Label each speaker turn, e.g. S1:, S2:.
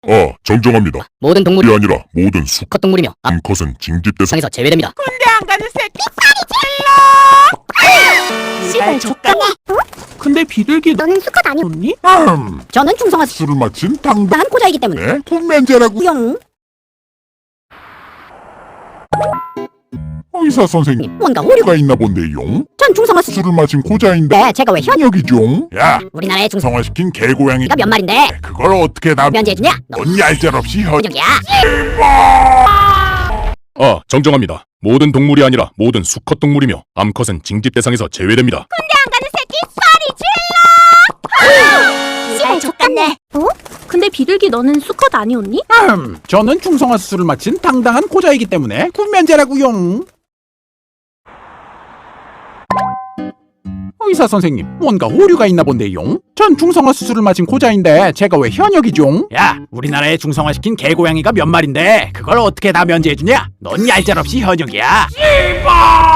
S1: 정정합니다.
S2: 모든 동물이
S1: 이 아니라 모든
S2: 수컷 동물이며
S1: 암컷은 징집 대상.
S2: 암컷에서 제외됩니다.
S3: 군대 안 가는 새끼
S4: 씨발 족같네.
S3: 근데 비둘기
S4: 너는 수컷 아니?
S3: 없니?
S4: 저는 충성화
S1: 술을 마친 당당한
S4: 난 고자이기 때문에
S1: 군면제라고.
S4: 용
S1: 의사 선생님,
S4: 뭔가 오류가
S1: 뭐가 있나 본데용?
S4: 전 충성화
S1: 술을 마신 고자인데
S4: 네 제가 왜
S1: 현역이종? 야,
S4: 우리나라의 충성화가
S1: 성화시킨 개고양이가
S4: 몇 마리인데
S1: 그걸 어떻게 다
S4: 면제해주냐? 너
S1: 넌 얄짤없이
S4: 현역이야.
S5: 정정합니다. 모든 동물이 아니라 모든 수컷 동물이며 암컷은 징집 대상에서 제외됩니다.
S4: 씨발 족같네.
S6: 근데 비둘기 너는 수컷 아니었니?
S3: 저는 중성화 수술을 마친 당당한 고자이기 때문에 군면제라고용. 의사 선생님, 뭔가 오류가 있나 본데용. 전 중성화 수술을 마친 고자인데 제가 왜 현역이종? 야, 우리나라에 중성화시킨 개고양이가 몇 마리인데 그걸 어떻게 다 면제해주냐? 넌 얄짤없이 현역이야. 씨발!